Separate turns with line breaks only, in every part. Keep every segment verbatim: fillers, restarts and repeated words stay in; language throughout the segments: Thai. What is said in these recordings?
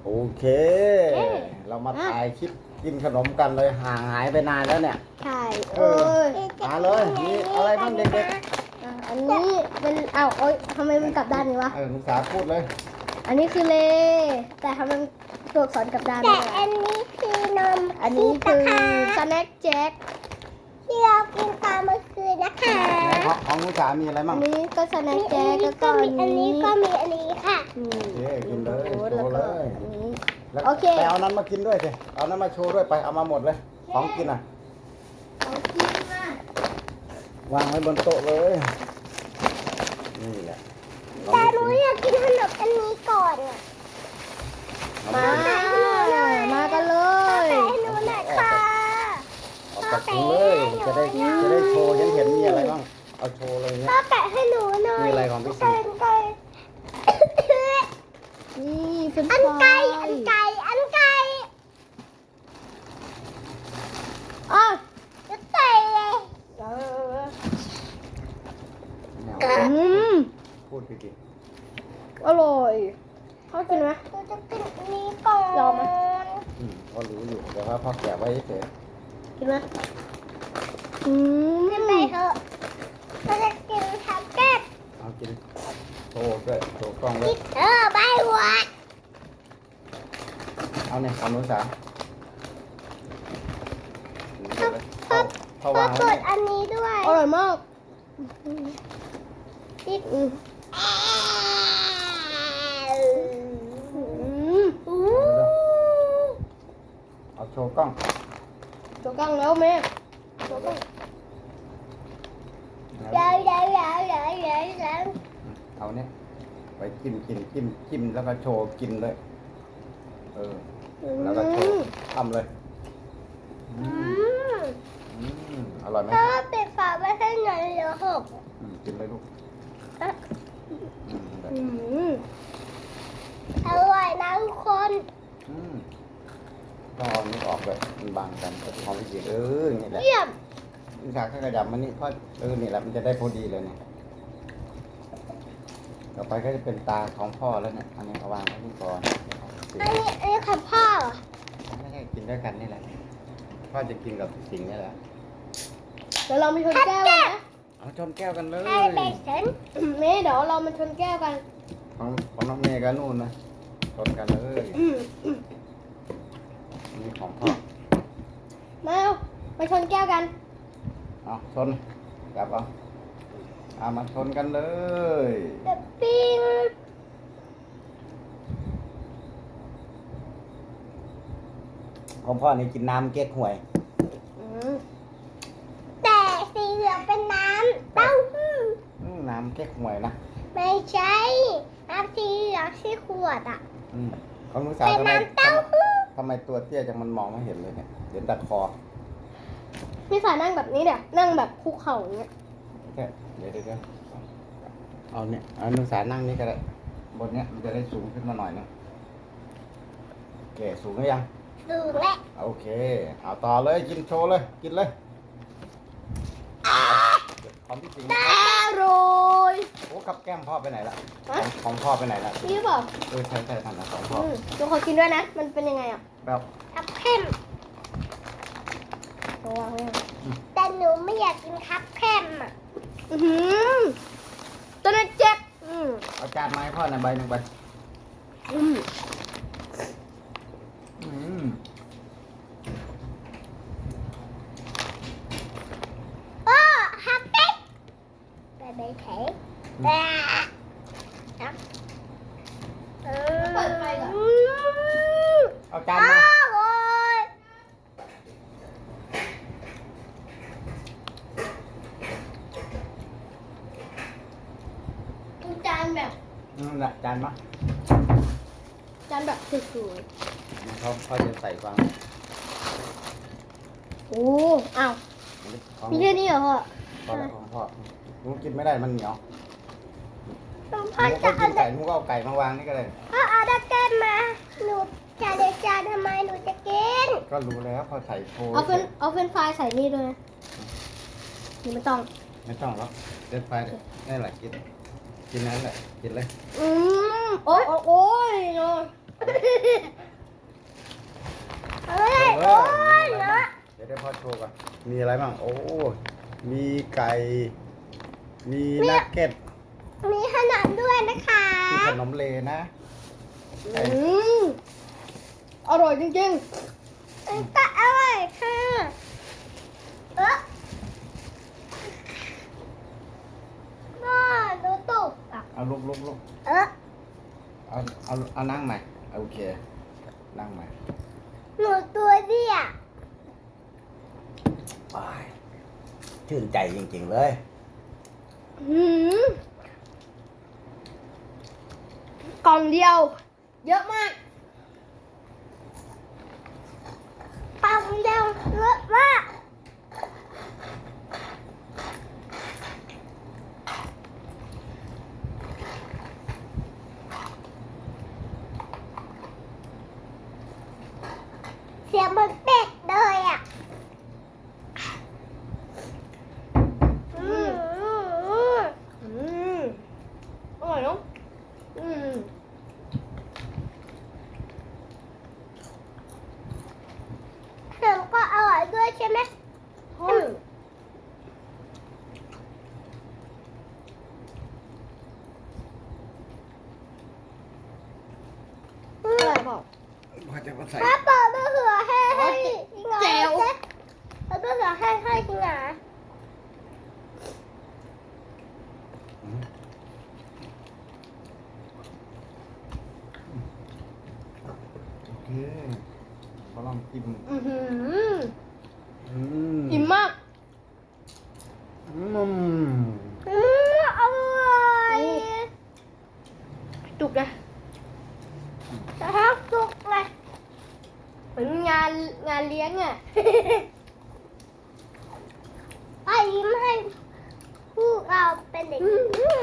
โอเค เรามาถ่ายคลิปกินขนมกันเลยห่างหายไปนานแล้วเนี่ย
ใช่
เอ
เอ้
อย มาเลยมีอะไรบ้างเด็ก
อ่ะอันนี้เป็นอ้าวโอ๊ยทำไมมันกลับด้านนี้วะ
ๆเออนุสาพูดเลย
อันนี้คือเลแต่ทำไมมันตัวอักษรกลับด้าน
แต่
ไม่ได้
อันนี้คือนม
อันนี้คือ
ที่
สแน็คแจ็ค
ที่เรากินตอนเมื่อคืนนะคะ
ของของนุสามีอะไร
อั
บ้าง
นนี้ก็สแน็ค
มี
แจ็
อั
คน
นี้
แล้ว
ก็
ก็
มี
อั
อั
น
น
นี้
นี้ก็มีอันนี้ค่ะ
อืม
โอเคกินเลย
โอ้
โช
แล้ว
ว์
ก็
เลย
อันนี้
แล้ว
โอเค
ไปเอานั้นมากินด้วยสิเอานั้นมาโชว์ด้วยไปเอามาหมดเลย ของกินอ่ะ
เอากินมาว
างไว้บนโต๊ะเลย นี่แหละ
แต่หนูอยากกินขนมอันนี้ก่อนอะ
มา มากันเล
เอา
ย
ไปให้หนูหน่อยค่ะ
เอาตักถุงเลยจะได้จะได้โชว์เห็นเห็นมีอะไรบ้างเอาโชว์เลยเนี่ย
พ่อแกะให้หนูหน่อย
มีอะไรของพี่ซี
อันไก่
นี่เป็น
อันไก่
ฟ
อันไก่อันไก่
อ่ะ
จะไก่เลย
อืม
พูดผิด
อร่อยเขากินไหม
หนูจะกินอันนี้ก่อน
ยอมไหม
ๆอืมก็รู้อยู่แต่ว่าพ่อแกะไว้เฉย
กินไหมอืม
กินไปเถอะเราจะกินทับเก็ต
เอากินโชว์ด้วยโชว์กล้องด้วย
เออใบหัว
เอาเนี่ยเอาหนูสาว
พ่อ
เข้าเข้า
พ่อ
วาง
เปิ
ไว้
ดอันนี้ด้วย
อร่อยมาก
ปิด
อืม
อื
อืม
อู้
เอาโชว์กล้อง
ตัวกลางแล้วแม่ตัวกลาง
เดี๋ยวเดี๋ยวเดี๋ยวเดี๋ยวเดี๋ยวเดี๋ยว
เอาเนี่ยไปจิ้มกินจิ้มจิ้มแล้วก็โชว์กินเลยเออแล้วก็โชว์ทำเลยอื
อื
ม
ม
อืมอร่อยไหม
ถ้าปิดฝาไม่ให้หน่อยเดี๋ยวหก
อืมกินเลยลูกอืมได้
อืม
อร่อยนะทุกคน
อืมต้องเอานี้ออกเลยมันบางกันของพี่จีเออนี่แหละ
เยี่ยม
วิชาข้ากระยับมันนี่เพราะเออนี่แหละมันจะได้พอดีเลยเนี่ยต่อไปก็จะเป็นตาของพ่อแล้วเนี่ยอันนี้เอาวางไว้ที่ก่อน
อันนี้อันนี้ของพ่อเหรอ
ไม่ใช่กินด้วยกันนี่แหละพ่อจะกินกับสิ่งนี่แหละ
เดี๋ยวเรามาชนแก้วกันนะ
เอาชนแก้วกันเลย
ให้เบสเซน
เมย์เดี๋ยวเรามาชนแก้วกัน
ของของน้องเมย์กับนู่นนะชนกันเลย
อืมอืม
นี่ของพ่อ
มาเอามาชนแก้วกัน
เอาชนกลับเอาเอามาชนกันเลย
เดบปิ้ง
ของพ่อนี่กินน้ำเก๊กหวย
อืม
แต่สีเหลืองเป็นน้ำเต้าหู้
อืมน้ำเก๊กหวยนะ
ไม่ใช่น้ำสีเหลืองที่ขวดอ่ะ
อืมของลูกสาว
เป็น
ทำไม
น้ำเต้าหู้
ทำไมตัวเตี้ยจังมันมองไม่เห็นเลยเนี่ยเห็นแต่คอ
พี่สายนั่งแบบนี้เดี๋ยวนั่งแบบคุกเข่าอย่างเงี้ย
แค่เดี๋ยวเดี๋ยวเดี๋ยวเอาเนี่ยเอาลูกสาวนั่งนี่ก็ได้บนเนี้ยมันจะได้สูงขึ้นมาหน่อยนึงโอเคสูงหรือยัง
สูงและ
โอเค เอาต่อเลยกินโชว์เลย กินเลยของพี่สิงห์
อร่อย
โอ้กับแก้มพ่อไปไหนละ
ฮะ
ของของพ่อไปไหนละ
นี่หรือเปล่า
เออใช่ใช่ทำนะของพ่อ
อืมเดี๋ยวขอกินด้วยนะ มันเป็นยังไงอ่ะ
แบบ
ทับเข้ม
ระวังไว้นะ
แต่หนูไม่อยากกินทับเข้มอ่ะ
อือหือตัวนั้นเจ็บอืม
เอาจานมาให้พ่อหน่อยใบหนึ่งใบ
อืม
อืม
โอ้ฮับเป๊กไปไปเถอะแต่นะเออ
เปิดไฟก่อน
เอาจาน
อ้า
มา
วโอ้ย
จานแบบ
นั่นแหละจานมา
จานแบบสวย
เขาเขาจะใส่ฟัง
ๆโอ้อ้าว
ของ
มีแค่นี้เหรอพ่อ
พ่อแล้วของพ่อหนูกินไม่ได้มันเหนียว
หนู
ห
พ่อ
นู
จะ
ก็กิ
เอา
นไก่หนูก็เอาไก่มาวางนี่ก็เลย
พ่อเอาดักแก้มมา หนูจะเด็กจานทำไมหนูจะกิน
ก็รู้แล้วพอใส่โชว์
เอาเฟรนเอาเฟรนช์ฟรายใส่นี่ด้วยนะนี่ไม่ต้อง
ไม่ต้องหรอกเด็ดไปเลยนี่แหละกิน กินนั้นแหละ กินเลย
อืมโอ้โอ้โอ้ยเนาะ
เฮ้ย
เอ
โอ้
อย มีอะไร
เนาะ
บ้างเดี๋ยวได้พ่อโชว์ก่อนมีอะไรบ้างโอ้มีไก่มีนักเก็ต
มีขนมด้วยนะคะ
มีขนมเลนะ
อืมอร่อยจริง
มันก็อร่อยค่ะเออน่าดูตุกอ่ะ
เอาลุกลุกลุก
เออ
เอาเอาเอานั่งใหม่โอเคนั่งใหม่
หนูตัวเดียว
ไปชื่นใจจริงๆเลย
ๆหืมกล่องเดียว เยอะมาก
ปังเดียวเยอะมากเสียงเหมือนเป็ดเลยอ่ะอืมอืมอืม
อืมอร่อยเนาะอืม
เสียงก็อร่อยด้วยใช่ไหม
เฮ้ย
อื
อ
ม
ร่อยเปล่า
พอจะมาใส่
ป้าเปิดมะเขือให้ให้
แจ๋ว
เปิดมะเขือให้ให้จริงเหรอ
อืมโอเคเขาลองจิ้ม
อือหือ
อืม
อิ่มมาก
อืม
อืมอร่อย
จุกนะ
จะทักสุกเลย
เหมือนงานงานเลี้ยงอ่ะ
ไอ้ยิ้มให้พวกเราเป็นเด็ก
อืม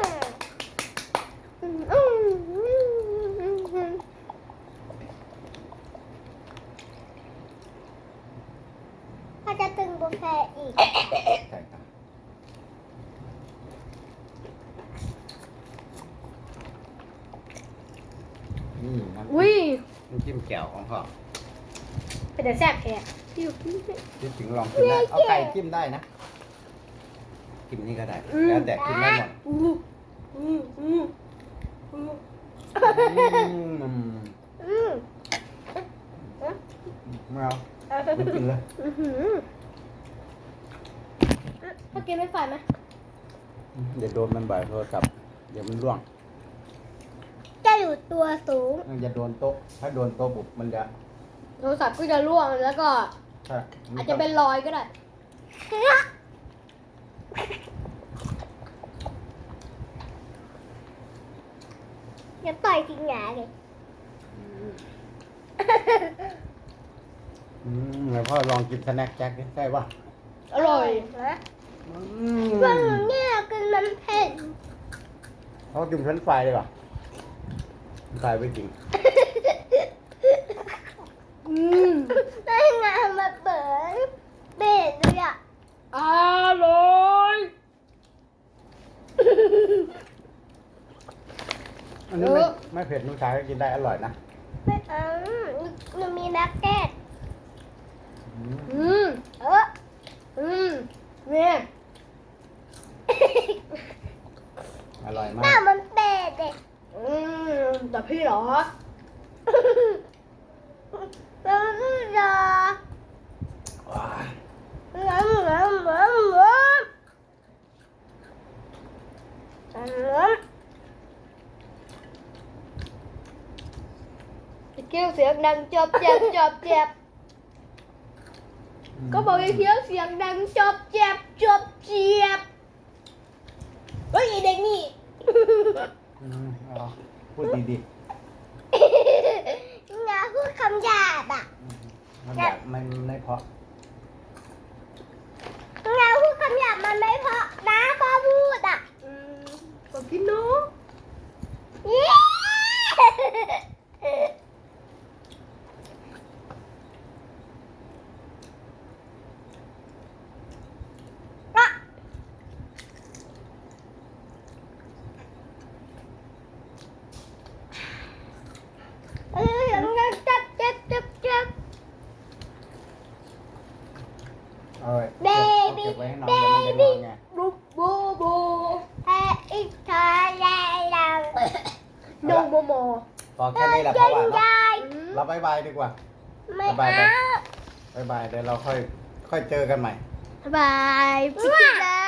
อืมอืมอืมอืมอืมถ้าจะตึงบุฟเฟ่อีก
ใส่ครับนี่น้ำ
อุ้ย
น้ำจิ้มแจ่วของพ่อ
เป็นแต่แซ่บแค่
คิดถึงลองกินได้เอาไก่จิ้มได้นะจิ้มนี่ก็ได้แล้วแต่กินได้หมด
อู้อืมอืมอืม
อืม
อืม
ไม่เอาไม่กินเลย
อื้อหือถ้ากินไม่ไฟไหม
เดี๋ยวโดนมันบ่อยโทรศัพท์เดี๋ยวมันร่วง
จะอยู่ตัวสูง
มันจะโดนโต๊ะถ้าโดนโต๊ะบุบมันจะ
โทรศัพท์ก็จะร่วงแล้วก็
ใช่มั
อาจจะเป็นรอยก็ได้
อย่าต่อยทิ้งหงาเลย
อืมแล้วพ่อลองกินสแน็คแจ็คดิใช่ป่ะ
อร่อย
นะ
อื
วัน
ม
นี้กินมันเผ็ด
เขากินเฟรนช์ฟรายเลยป่ะฟรายไม่จริง
อืม
ได้งานมาเปิดเบ็ดเลยอ่ะ
อร่อย
อันนี้ไม่ไม่เผ็ดนุ่งชายก็กินได้อร่อยนะ
ไม่เอาหนูมีนักเก็ต
อืม
อืม
เออ
อืมเนี่ย
อร่อยมา
หน้าก มันเป็ดเลย
อืมแต่พี่เหรอ
แล้วก็จะ
ว้าย
น้ำน้ำน้ำน้ำน้ำ
ตะเกียวเสียงดังจอบแจบจอบแจบก็บอกไอ้เคี้ยวเสียงดังจอบแจบจอบเจียบเฮ้ยไอ้เด็กนี่
อืมเอาพูดดี
น้าพูดคำหยาบอ่ะ
ๆมันแบบไม่ไม่เพราะ
น้าพูดคำหยาบมันไม่เพราะน้าก็พูดอ่ะ
อืมกับพี่น้อง
เย้อะเอ้ยเบ
เก็บ
บี้
เก็บไว้ให้น้อง
เบ
เดี๋ยวมันจะง
บี้
อไง
บูบูบู
เออีกทอแล้วเรา
โนโมโม
พอแค่นี้แหละเพราะว่าเนาะ
ได้
เราบายบายดีกว่า
ไม่
บ๊ายบาย
เอา
บายบายเดี๋ยวเราค่อยค่อยเจอกันใหม่
บายพี่เจ